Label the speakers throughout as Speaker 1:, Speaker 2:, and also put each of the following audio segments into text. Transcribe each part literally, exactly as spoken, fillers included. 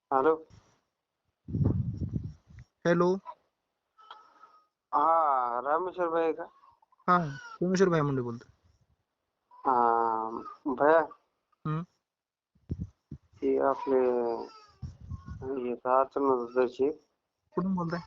Speaker 1: Hello.
Speaker 2: Hello.
Speaker 1: हा रामेश्वर भाई का?
Speaker 2: हा सोमेश्वर भाई मुंडे बोलतो.
Speaker 1: हा भैया
Speaker 2: हम्म.
Speaker 1: ते आपले हे अडचण त्याची.
Speaker 2: कुठून बोलताय?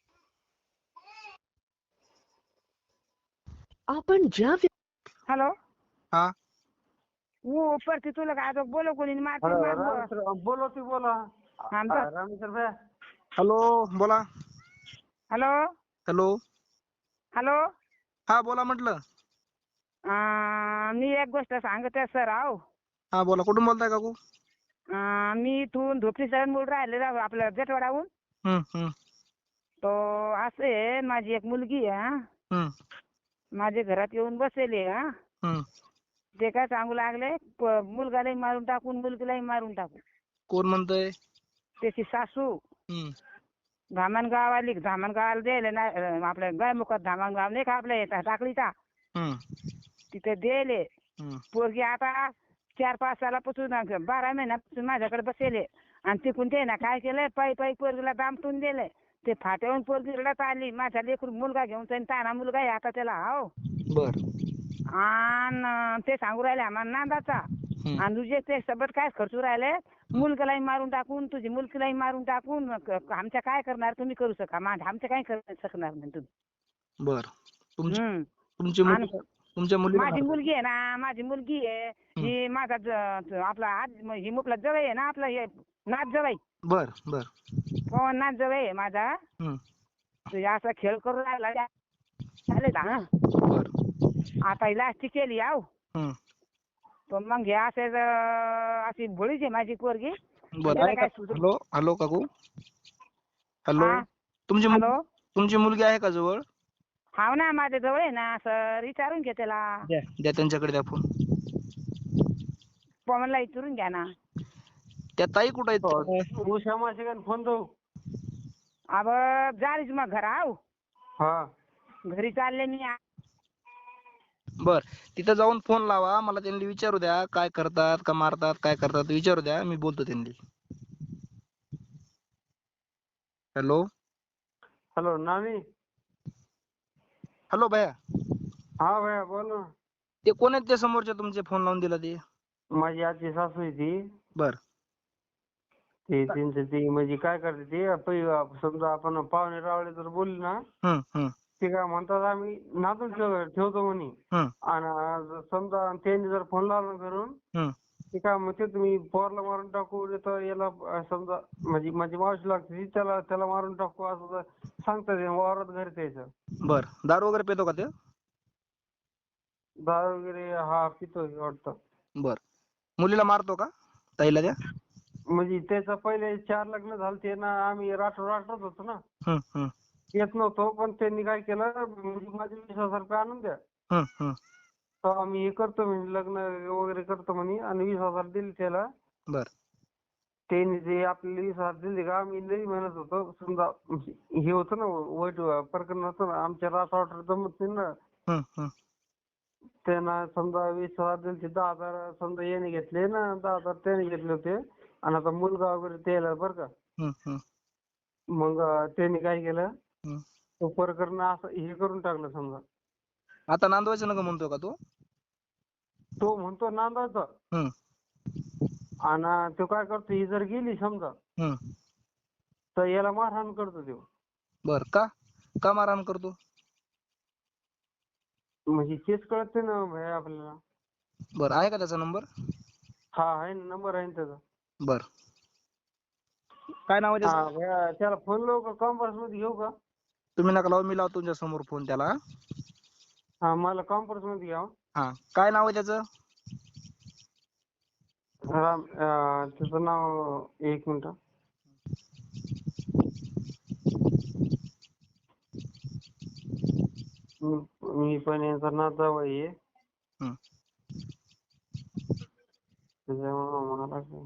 Speaker 3: आपण ज्या हॅलो
Speaker 2: हा
Speaker 3: वो ऊपर से तू लगा दो बोलो कोणी मारते
Speaker 1: हॅलो
Speaker 3: मार बो-
Speaker 1: रामेश्वर बोला ती बोला.
Speaker 3: हा,
Speaker 1: हा,
Speaker 3: बस.
Speaker 1: रामेश्वर भैया.
Speaker 2: हॅलो बोला.
Speaker 3: Hello
Speaker 2: hello.
Speaker 3: हॅलो
Speaker 2: हा बोला म्हटलं.
Speaker 3: अं, मी एक गोष्ट सांगते सर आहो.
Speaker 2: हा बोला. कुठून बोलताय काकू?
Speaker 3: अं, मी इथून धोपी सरण बोल राहिले राव, आपलं जेटवाडाहून.
Speaker 2: हम्म हम्म
Speaker 3: तो असे माझी एक मुलगी आहे हा.
Speaker 2: हम्म
Speaker 3: माझ्या घरात येऊन बसलेली आहे हा.
Speaker 2: हम्म.
Speaker 3: ते काय सांगू लागले प- मुलगालाही मारून टाकून मुलगीलाही मारून टाकू.
Speaker 2: कोण म्हणतंय?
Speaker 3: त्याची सासू
Speaker 2: हम्म
Speaker 3: धामणगाव आली. धामणगावला द्यायला ना अं, आपल्या गायमुखात धामणगाव नाही का आपल्या इथं टाकळीचा,
Speaker 2: हम्म
Speaker 3: तिथे दिले.
Speaker 2: हम्म
Speaker 3: पोरगी आता चार पाच सालापासून अं, बारा महिन्यापासून माझ्याकडे बसेले. आणि तिकून ते ना काय केलंय पायी पायी पोरगीला दामटून दिलंय. ते फाट्यावरून पोरगी रडत आली. माझा लेकरू मुलगा घेऊन जाईन ताना मुलगा आहे आता त्याला हो.
Speaker 2: बर.
Speaker 3: आणि ते सांगू राहिले आम्हाला नांदाचा.
Speaker 2: हम्म
Speaker 3: आणि तुझे ते सोबत काय खर्चू राहिले मुलगालाही मारून टाकून तुझी मुलगीलाही मारून टाकून क- आमच्या काय करणार तुम्ही करू शका माझ्या आमच्या काय करू शकणार नाही तुम्ही.
Speaker 2: बर. तुमची
Speaker 3: हम्म.
Speaker 2: तुमची
Speaker 3: आणि
Speaker 2: मुलगी तुमच्या मुलीला
Speaker 3: माझी
Speaker 2: मारतात?
Speaker 3: मुलगी आहे ना माझी मुलगी आहे
Speaker 2: हम्म.
Speaker 3: ही माझा ज- ज- आपला आज ही मुकला जवळ आहे ना आपला हे नाच जवळ
Speaker 2: बर बर.
Speaker 3: पवन नाच जवळ आहे माझा.
Speaker 2: हम्म
Speaker 3: तुझ्या असा खेळ करून राहिला चालेल हा.
Speaker 2: बर.
Speaker 3: आता ही लास्टी केली आहो.
Speaker 2: हम्म
Speaker 3: पण मग हे असे ज- अशी भोळीच आहे माझी पोरगी. आणि
Speaker 2: बर.
Speaker 3: त्याला
Speaker 2: आहे का?
Speaker 3: काय सुचत.
Speaker 2: हॅलो हॅलो काकू. हॅलो.
Speaker 3: हा
Speaker 2: तुमची
Speaker 3: हॅलो.
Speaker 2: मुलगी तुमची मुलगी आहे का जवळ?
Speaker 3: हाव ना माझ्या जवळ आहे ना सर विचारून घे त्याला.
Speaker 2: द्या द्या त्यांच्याकडे द्या फोन.
Speaker 3: पवनला विचारून घ्या ना.
Speaker 2: त्या ताई कुठं आहेत?
Speaker 1: उषा माशिकाने फोन देऊ.
Speaker 3: अब झालीच मग घर आहो.
Speaker 1: हा.
Speaker 3: घरी चालले मी.
Speaker 2: बर. तिथं जाऊन फोन लावा. मला त्यांनी विचारू द्या काय करतात का मारतात काय करतात विचारू द्या. मी बोलतो त्यांनी. हॅलो.
Speaker 1: हॅलो नानी.
Speaker 2: हॅलो भैया.
Speaker 1: हा भैया बोल ना.
Speaker 2: ते कोण आहेत ते समोरच्या तुमचे फोन लावून दिला ते?
Speaker 1: माझी आजी सासू आहे ती.
Speaker 2: बर.
Speaker 1: ते त्यांचं ते म्हणजे काय करते ते पै- समजा आपण पाहुणे रावळे जर बोलले ना
Speaker 2: हम्म हम्म
Speaker 1: ते काय म्हणतात आम्ही नातून ठेव- ठेवतो म्हणे.
Speaker 2: हम्म
Speaker 1: आणि समजा त्यांनी जर फोन लावला करून
Speaker 2: हम्म
Speaker 1: ते काय म्हणते तुम्ही पोरला मारून टाकू नाही तर याला अं, समजा म्हणजे माझी मावशी लागते ती त्याला त्याला मारून टाकू असं सांगतात ते वावरात घरी त्याचं.
Speaker 2: बर. दारू वगैरे पितो का ते?
Speaker 1: दारू वगैरे हा पितोय वाटतं.
Speaker 2: बर. मुलीला मारतो का ताईला त्या?
Speaker 1: म्हणजे त्याचं पहिले चार लग्न झालते ना आम्ही राठोड राठोड होतो ना.
Speaker 2: हम्म हम्म
Speaker 1: येत नव्हतो पण त्यांनी काय केलं म्हणजे माझे वीस हजार रुपये आणून द्या.
Speaker 2: हम्म हम्म
Speaker 1: तर आम्ही हे करतो म्हणे लग्न वगैरे करतो म्हणे आणि वीस हजार दिले त्याला.
Speaker 2: बर.
Speaker 1: त्यांनी जे आपल्याला वीस हजार दिले का आम्ही लई म्हणत होतो समजा हे होतं ना वाईट प्रकरण होतं ना आमच्या राठोड जमत नाही ना.
Speaker 2: हम्म हम्म
Speaker 1: त्यांना समजा वीस हजार दिले ते दहा हजार समजा याने घेतले ना दहा हजार त्याने घेतले होते. आणि आता मुलगा वगैरे द्यायला बरं का.
Speaker 2: हम्म हम्म
Speaker 1: मग त्यांनी काय केलं
Speaker 2: हम्म.
Speaker 1: तो प्रकरण असं हे करून टाकलं समजा.
Speaker 2: आता नांदवायचं नका म्हणतोय का तो?
Speaker 1: तो म्हणतो नांदायचं.
Speaker 2: हम्म
Speaker 1: आणि तो काय करतो ही जर गेली समजा
Speaker 2: हम्म
Speaker 1: तर याला मारहाण करतो तो.
Speaker 2: बर. का का मारहाण करतो?
Speaker 1: म्हणजे तेच कळत नाही ना भाई आपल्याला.
Speaker 2: बर. आहे का त्याचा नंबर?
Speaker 1: हा आहे ना नंबर आहे ना त्याचा.
Speaker 2: बर. काय नाव आहे
Speaker 1: हा
Speaker 2: त्याचं?
Speaker 1: भैया त्याला फोन लावू का कॉन्फरन्स मध्ये घेऊ का?
Speaker 2: तुम्ही नका लावू मी लावतो तुमच्या समोर फोन त्याला.
Speaker 1: हा मला कॉन्फरन्स मध्ये घ्या.
Speaker 2: हा. काय नाव आहे त्याचं?
Speaker 1: राम अं, त्याचं नाव एक मिनिट. मी पण यांचा नाता आहे.
Speaker 2: हम्म
Speaker 1: त्याच्यामुळे मला काय-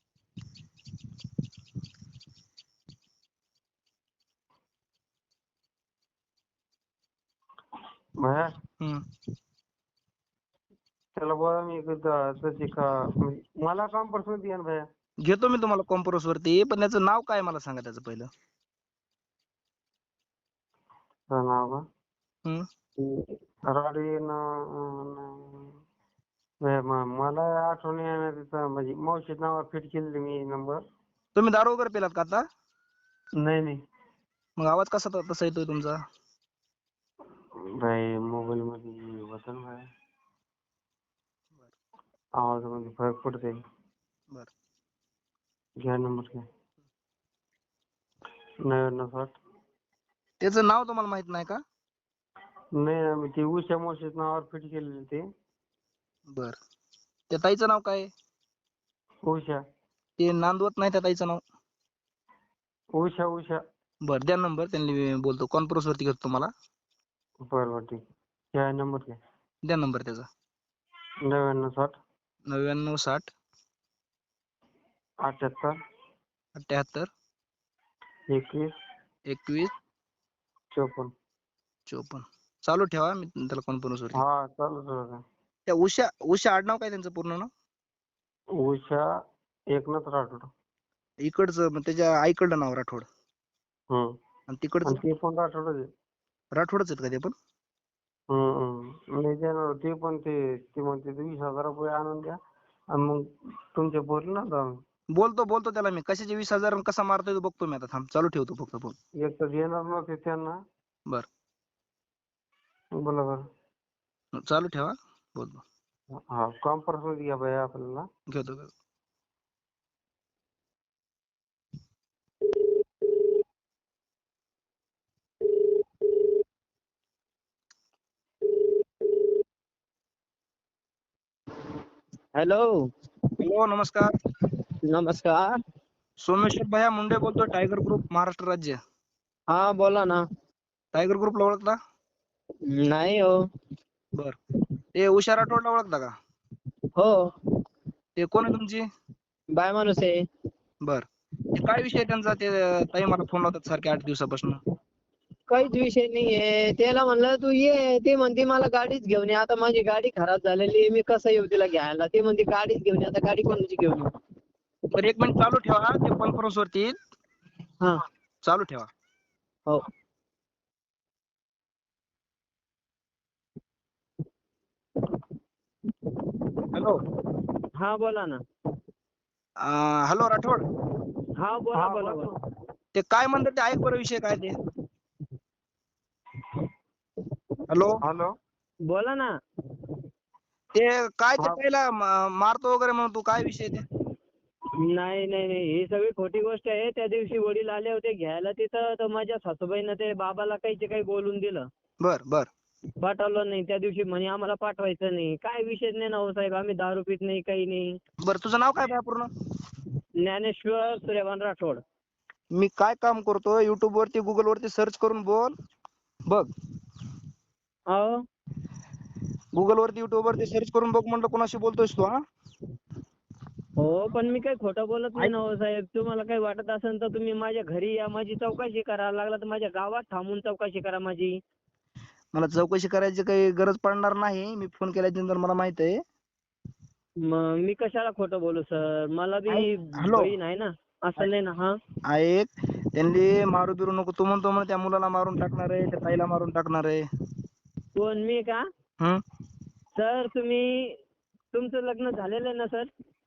Speaker 1: भैया
Speaker 2: हम्म
Speaker 1: त्याला बोला मी तशी का म्हणजे मला कॉन्फरन्स मध्ये घ्या ना भैया.
Speaker 2: घेतो मी तुम्हाला कॉन्फरन्स वरती, पण त्याचं नाव काय मला सांगा त्याचं पहिलं.
Speaker 1: त्याचं नाव का?
Speaker 2: हम्म.
Speaker 1: ते राडे ना नाही, म- मला आठवण येणार तिथं, म्हणजे मावशीच्या नावावर फिट केलेली मी नंबर.
Speaker 2: तुम्ही दारू वगैरे पिलात का आता?
Speaker 1: नाही नाही
Speaker 2: मग आवाज कसा त- तसा येतोय तुमचा?
Speaker 1: भाई मोबाईल मध्ये होतं ना भाई, आवाजामध्ये फरक पडते.
Speaker 2: बर.
Speaker 1: घ्या नंबर घ्या. नव्याण्णव साठ.
Speaker 2: त्याचं नाव तुम्हाला माहित नाही का?
Speaker 1: नाही आम्ही ते उषा मावशीच्या नावावर फिट केलेली ते.
Speaker 2: बर. त्या ताईचं नाव काय आहे?
Speaker 1: उषा
Speaker 2: ते नांदवत नाही त्या ताईचं नाव.
Speaker 1: उषा उषा.
Speaker 2: बर, द्या नंबर, त्यांनी मी बोलतो, कॉन्फरन्स वरती घेतो तुम्हाला.
Speaker 1: बरं बरं ठीक. घ्या नंबर घ्या.
Speaker 2: द्या नंबर त्याचा.
Speaker 1: नव्याण्णव साठ
Speaker 2: नव्याण्णव साठ
Speaker 1: अठ्याहत्तर
Speaker 2: अठ्याहत्तर
Speaker 1: एकवीस
Speaker 2: एकवीस
Speaker 1: चोपन्न.
Speaker 2: चोपन्न. चालू ठेवा, मी त्याला कॉन्फरन्स वरती.
Speaker 1: हा चालू ठेवा.
Speaker 2: त्या उषा उषा आडनाव काय त्यांचं पूर्ण नाव?
Speaker 1: उषा एकनाथ राठोड.
Speaker 2: इकडचं मग त्याच्या आईकडलं नाव राठोड
Speaker 1: हम्म.
Speaker 2: आणि तिकडचं
Speaker 1: आणि ते पण राठोडच आहे.
Speaker 2: राठोडच आहेत का ते पण?
Speaker 1: हम्म हम्म. नाही देणार ते पण, ते ते म्हणते वीस हजार रुपये आणून द्या आणि मग तुमच्या पोरीला ना जाऊन.
Speaker 2: बोलतो बोलतो त्याला मी, कशाचे वीस हजार आणि कसा मारतोय तो बघतो मी आता. थांब, चालू ठेवतो फक्त फोन.
Speaker 1: एक तर देणार नव्हते त्यांना.
Speaker 2: बर.
Speaker 1: बोला बरं.
Speaker 2: चालू ठेवा, बोलतो.
Speaker 1: हा कॉन्फरन्स मध्ये घ्या बाई आपल्याला.
Speaker 2: घेतो घेतो.
Speaker 4: हॅलो.
Speaker 2: हॅलो, नमस्कार.
Speaker 4: नमस्कार.
Speaker 2: सोमेश्वर भैया मुंडे बोलतोय, टायगर ग्रुप महाराष्ट्र राज्य.
Speaker 4: हा बोला ना.
Speaker 2: टायगर ग्रुपला ओळखता?
Speaker 4: नाही हो.
Speaker 2: बर. ते उषा राठोडला ओळखता का?
Speaker 4: हो.
Speaker 2: ते कोण आहे तुमची?
Speaker 4: बाय माणूस आहे.
Speaker 2: बर. ते काय विषय त्यांचा? ते ताई मला फोन लावतात सारखे आठ दिवसापासून.
Speaker 4: काहीच विषय नाहीये. त्याला म्हणलं तू ये, ते म्हणते मला गाडीच घेऊन ये. आता माझी गाडी खराब झालेली आहे, मी कसं येऊ तिला घ्यायला? ते म्हणते गाडीच घेऊन ये. आता गाडी कोणाची घेऊन येऊ?
Speaker 2: बरं, एक मिनिट चालू ठेवा, ते कॉन्फरन्स वरती.
Speaker 4: हा.
Speaker 2: चालू ठेवा.
Speaker 4: हो.
Speaker 2: हॅलो.
Speaker 4: हा बोला ना.
Speaker 2: हॅलो राठोड.
Speaker 4: हा बोला बोला बोला.
Speaker 2: ते काय म्हणतात ते ऐक बरं, विषय काय ते. हॅलो.
Speaker 1: हॅलो.
Speaker 4: बोला ना.
Speaker 2: ते काय ते
Speaker 1: हा.
Speaker 2: पहिला मा- मारतो वगैरे म्हणून, तू काय विषय ते?
Speaker 4: नाही नाही नाही, ही सगळी खोटी गोष्ट आहे. त्या दिवशी वडील आले होते घ्यायला तिथं, तर माझ्या सासूबाईनं ते बाबाला काहीचे काही बोलून दिलं.
Speaker 2: बर बर.
Speaker 4: पाठवलं नाही त्या दिवशी, म्हणे आम्हाला पाठवायचं नाही. काय विषय नाही ना हो साहेब, आम्ही दारू पित नाही, काही नाही.
Speaker 2: बरं, तुझं नाव काय बा पूर्ण?
Speaker 4: ज्ञानेश्वर सूर्यभान राठोड.
Speaker 2: मी काय काम करतो, युट्यूब वरती गुगल वरती सर्च करून बोल बघ.
Speaker 4: हो.
Speaker 2: गुगल वरती युट्यूब वरती सर्च करून बघ म्हणलं, कोणाशी बोलतोयस तू? हा.
Speaker 4: हो पण मी काही खोटं बोलत नाही
Speaker 2: ऐक.
Speaker 4: ना हो साहेब. तुम्हाला काही वाटत असेल तर तुम्ही माझ्या घरी या, माझी चौकशी करा. लागला तर माझ्या गावात थांबून चौकशी करा माझी.
Speaker 2: मला चौकशी करायची काही गरज पडणार नाही. मी फोन केल्यानंतर मला माहित आहे.
Speaker 4: मग मी कशाला खोटं बोलू सर? मला बी
Speaker 2: ऐक. हॅलो.
Speaker 4: बहीण आहे ना. असं नाही ना. हा.
Speaker 2: ऐक, त्यांनी मारू बिरू नको. तू म्हणतो म्हणे त्या मुलाला मारून टाकणार आहे, त्या ताईला मारून टाकणार आहे.
Speaker 4: कोण, मी का?
Speaker 2: हम्म.
Speaker 4: सर तुम्ही, तुमचं लग्न झालेलं आहे ना सर?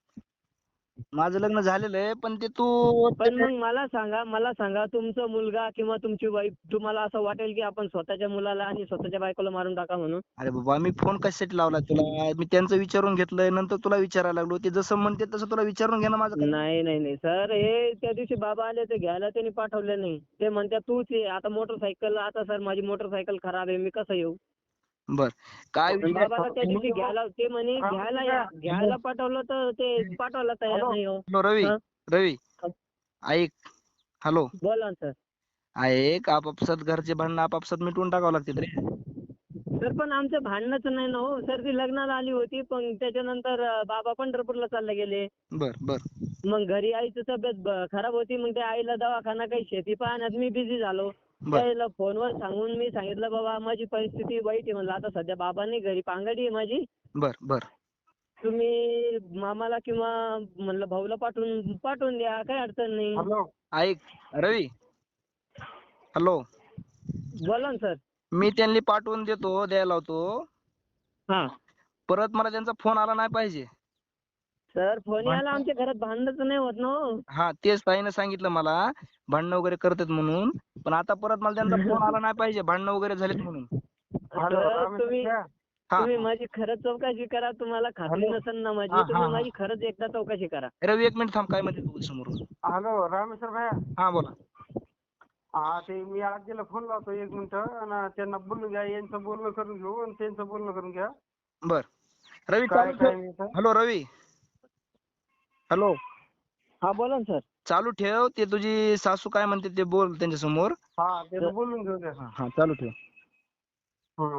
Speaker 2: माझं लग्न झालेलं आहे, पण ते तू
Speaker 4: पण मग मला सांगा, मला सांगा तुमचा मुलगा किंवा तुमची वाईफ, तुम्हाला असं वाटेल की आपण स्वतःच्या मुलाला आणि स्वतःच्या बायकोला मारून टाका म्हणून?
Speaker 2: अरे बाबा, मी फोन कशासाठी लावला तुला? मी त्यांचं विचारून घेतलंय, नंतर तुला विचारायला लागलो. ते जसं म्हणते तसं तुला विचारून घेणं माझं काम.
Speaker 4: नाही नाही नाही सर, हे त्या दिवशी बाबा आले ते घ्यायला, त्यांनी पाठवले नाही. ते म्हणतात तूच ये. आता मोटरसायकल, आता सर माझी मोटरसायकल खराब आहे, मी कसं येऊ?
Speaker 2: बर. काय विषय?
Speaker 4: बाबाला त्या दिवशी घ्यायला, ते म्हणे घ्यायला या. घ्यायला पाठवलं तर ते पाठवायला तयार नाही हो.
Speaker 2: हॅलो रवी.
Speaker 4: हा?
Speaker 2: रवी ऐक. हॅलो.
Speaker 4: बोला ना सर.
Speaker 2: ऐक, आपापसात घरचे भांडणं आपापसात मिटवून टाकावं लागतात रे.
Speaker 4: सर पण आमचं भांडणच नाही ना हो सर. ती लग्नाला आली होती, पण त्याच्यानंतर अं, बाबा पंढरपूरला चालले गेले.
Speaker 2: बर बर.
Speaker 4: मग घरी आईची तब्येत ब- खराब होती. मग त्या आईला दवाखाना, काही शेती पाहण्यात मी बिझी झालो.
Speaker 2: बर
Speaker 4: त्याला फोनवर सांगून मी सांगितलं बाबा माझी परिस्थिती वाईट आहे म्हणलं. आता सध्या बाबा नाही घरी, पांगडी आहे माझी.
Speaker 2: बर बर.
Speaker 4: तुम्ही मामाला किंवा म्हणलं भाऊला पाठवून पाठवून द्या, काही अडचण नाही.
Speaker 1: हॅलो
Speaker 2: ऐक रवी, हॅलो,
Speaker 4: बोला ना सर.
Speaker 2: मी त्यांनी पाठवून देतो, द्यायला लावतो.
Speaker 4: हा
Speaker 2: परत मला त्यांचा फोन आला नाही पाहिजे.
Speaker 4: सर, फोन यायला आमच्या घरात भांडणच नाही होत ना हो.
Speaker 2: हा तेच ताईनं सांगितलं मला, भांडणं वगैरे करतात म्हणून. पण आता परत मला त्यांचा फोन आला नाही पाहिजे भांडणं वगैरे झालेत म्हणून.
Speaker 1: हॅलो
Speaker 4: सर,
Speaker 1: रामेश्वर
Speaker 4: तुम्ही
Speaker 1: भैया.
Speaker 2: हा
Speaker 4: तुम्ही माझी खरंच चौकशी करा. तुम्हाला खात्री
Speaker 1: हॅलो.
Speaker 4: नसेल ना
Speaker 2: हा,
Speaker 4: माझी,
Speaker 2: हा,
Speaker 4: तुम्ही
Speaker 2: हा.
Speaker 4: माझी खरंच एकदा चौकशी करा.
Speaker 2: रवी एक मिनिट थांब, काय म्हणते तू समोरून.
Speaker 1: हॅलो रामेश्वर भैया.
Speaker 2: हा बोला.
Speaker 1: हा ते मी आजीला फोन लावतो एक मिनिट आणि त्यांना बोलून घ्या, यांचं बोलणं करून घेऊ आणि त्यांचं बोलणं करून घ्या.
Speaker 2: बर रवी
Speaker 1: काय
Speaker 2: चालू
Speaker 1: काय
Speaker 2: ठेव.
Speaker 1: नाही तर.
Speaker 2: हॅलो रवी, हॅलो,
Speaker 4: हा बोला ना सर.
Speaker 2: चालू ठेव. ते तुझी सासू काय म्हणते ते बोल त्यांच्या समोर.
Speaker 1: हा ते बोलून घेऊ द्या.
Speaker 2: हा हा चालू ठेव.
Speaker 1: हं.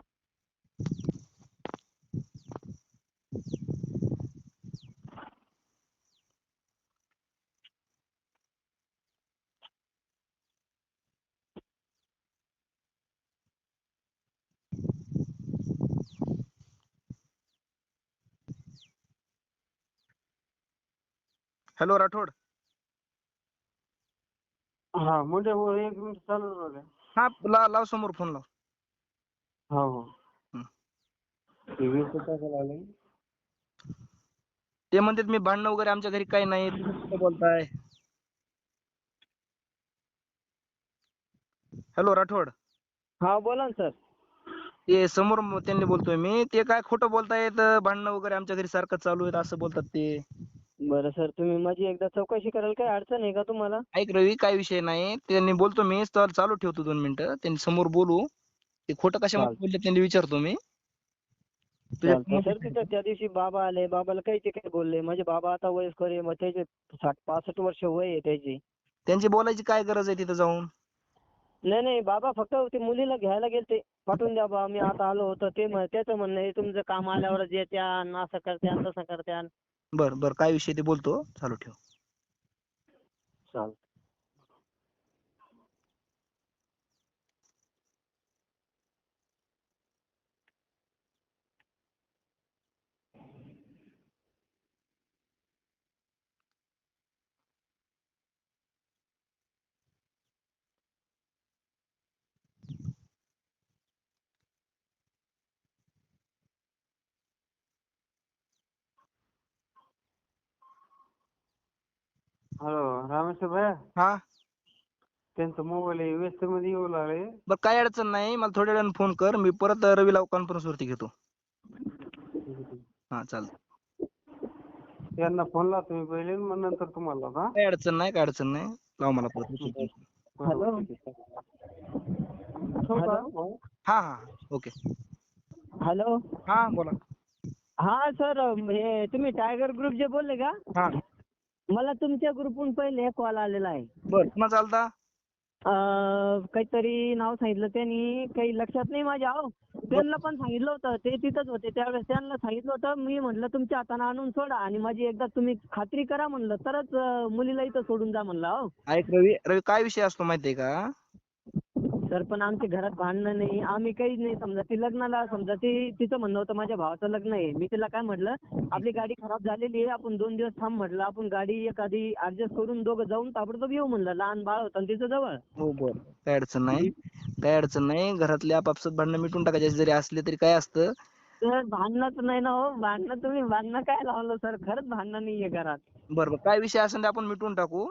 Speaker 2: हॅलो राठोड.
Speaker 1: हा म्हणजे हो एक मिनिट चालू राहू द्या.
Speaker 2: हा ला- लाव समोर फोन लाव.
Speaker 1: हो हो.
Speaker 2: हं.
Speaker 1: ते वीस टाकायला आले.
Speaker 2: ते म्हणतात मी भांडणं वगैरे आमच्या घरी काही नाही, तुम्ही कुठं बोलताय. हॅलो राठोड.
Speaker 4: हा बोला ना सर.
Speaker 2: ते समोर म- त्यांनी बोलतोय मी, ते काय खोटं बोलतायत, भांडणं वगैरे आमच्या घरी सारखं चालू आहेत असं बोलतात ते.
Speaker 4: बरं सर, तुम्ही माझी एकदा चौकशी कराल, काही अडचण आहे का तुम्हाला?
Speaker 2: ऐक रवी, काय विषय नाही. त्यांनी बोलतो मी, तर चालू ठेवतो दोन मिनिटं. त्यांनी समोर बोलू. ते खोटं कशामुळे बोलले त्यांनी विचारतो मी. तुझ्या
Speaker 4: चालतंय सर. तिथं त्या दिवशी बाबा आले, बाबाला काही ते काही बोलले. माझे बाबा आता वयस्कर आहे, मग त्याचे साठ पासष्ट वर्ष वय आहे त्याची.
Speaker 2: त्यांची बोलायची काय गरज आहे तिथं जाऊन.
Speaker 4: नाही नाही, बाबा फक्त ते मुलीला घ्यायला गेलते. पाठवून द्या बा, मी आता आलो होतो. ते म्हण- त्याचं म्हणणं आहे तुमचं काम आल्यावरच येत्यान, असं करत्यान तसं करत्यान.
Speaker 2: बर बर, काय विषय ते बोलतो, चालू ठेव.
Speaker 4: चालतं.
Speaker 1: हॅलो रामेश्वर भैया.
Speaker 2: हा
Speaker 1: त्यांचा मोबाईल व्यस्त मध्ये येऊ लागले.
Speaker 2: बर, काय अडचण नाही. मला थोड्या वेळाने फोन कर, मी परत रवीला कॉन्फरन्स वरती घेतो. हा चालतं.
Speaker 1: त्यांना फोन लावतो मी पहिले, मग नंतर तुम्हाला लावतो. हा?
Speaker 2: काय अडचण नाही, काय अडचण नाही. लाव मला परत उचलतो.
Speaker 1: बरोबर, ठीक आहे. ठेवू का? हो.
Speaker 2: हा हा ओके.
Speaker 4: हॅलो.
Speaker 2: हा बोला.
Speaker 4: हा सर, हे तुम्ही टायगर ग्रुप जे बोलले का?
Speaker 2: हा
Speaker 4: मला तुमच्या ग्रुपहून पहिले कॉल आलेला आहे.
Speaker 2: बर, पुन्हा चालता.
Speaker 4: अं, काहीतरी नाव सांगितलं त्यांनी, काही लक्षात नाही माझ्या. हो, त्यांना पण सांगितलं होतं, ते तिथंच होते त्यावेळेस. त्यांना सांगितलं होतं, मी म्हणलं तुमच्या हाताने आणून सोडा आणि माझी एकदा तुम्ही खात्री करा म्हणलं, तरच अं, मुलीला इथं सोडून जा म्हणलं. हो
Speaker 2: ऐक रवी, रवी काय विषय असतो माहितीये का.
Speaker 4: सर, पण आमच्या घरात भांडणं नाही, आम्ही काहीच नाही. समजा ती लग्नाला, समजा ती तिचं म्हणणं होतं माझ्या भावाचं लग्न आहे. मी तिला काय म्हटलं, आपली गाडी खराब झालेली आहे, आपण दोन दिवस थांब म्हटलं, आपण गाडी एखादी ऍडजस्ट करून दोघं जाऊन ताबडतोब येऊ म्हणलं. लहान बाळ होतं ना तिचं जवळ.
Speaker 2: हो बर, काय अडचण नाही, काय अडचण नाही. घरातले आपापसात भांडणं मिटून टाकायचे, जरी असले तरी काय असतं.
Speaker 4: सर, भांडणच नाही ना हो. भांडणं तुम्ही भांडणं काय लावलं सर, खरंच भांडणं नाहीये घरात.
Speaker 2: बरं बरं, काय विषय असेल ते आपण मिटवून टाकू.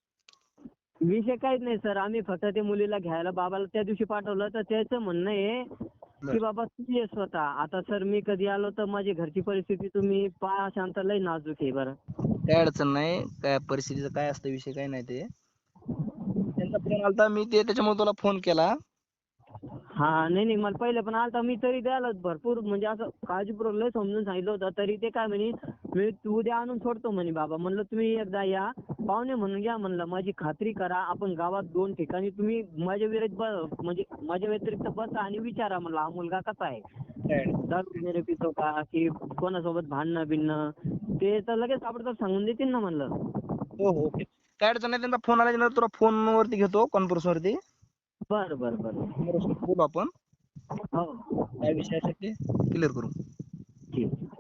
Speaker 4: विषय काहीच नाही सर. आम्ही फक्त ते मुलीला घ्यायला बाबाला त्या दिवशी पाठवलं, तर त्याचं म्हणणं आहे की बाबा तू ये स्वतः. आता सर, मी कधी आलो तर माझी घरची परिस्थिती तुम्ही पहा, शांत लय नाजूक आहे बरं.
Speaker 2: काय अडचण नाही, काय परिस्थितीचं काय असतं विषय काय नाही ते. त्यांचा फोन आलता, मी ते त्याच्यामुळे तुला फोन केला.
Speaker 4: हा नाही नाही, मला पहिले पण आलता. मी तरी द्यायला भरपूर म्हणजे असं काळजीपूर्वक लय समजून सांगितलं होतं, तरी ते काय म्हणे, मी तू उद्या आणून सोडतो म्हणे बाबा. म्हणलं तुम्ही एकदा या पाहुणे म्हणून घ्या म्हणलं, माझी खात्री करा. आपण गावात दोन ठिकाणी तुम्ही माझ्या विरुद्ध म्हणजे माझ्या व्यतिरिक्त बसा आणि विचारा म्हणलं, हा मुलगा कसा आहे, दारू वगैरे पितो का, की कोणासोबत भांडणं बिणणं, ते तर लगेच ताबडतोब सांगून देतील ना म्हणलं.
Speaker 2: हो हो ओके, काय अडचण नाही. त्यांचा फोन आला तुला फोन वरती घेतो, कॉन्फरन्स वरती.
Speaker 4: बरं बरं बरं.
Speaker 2: समोरासमोर बोलू आपण,
Speaker 4: हो
Speaker 2: काय विषय असेल ते क्लिअर करू.
Speaker 4: ठीक.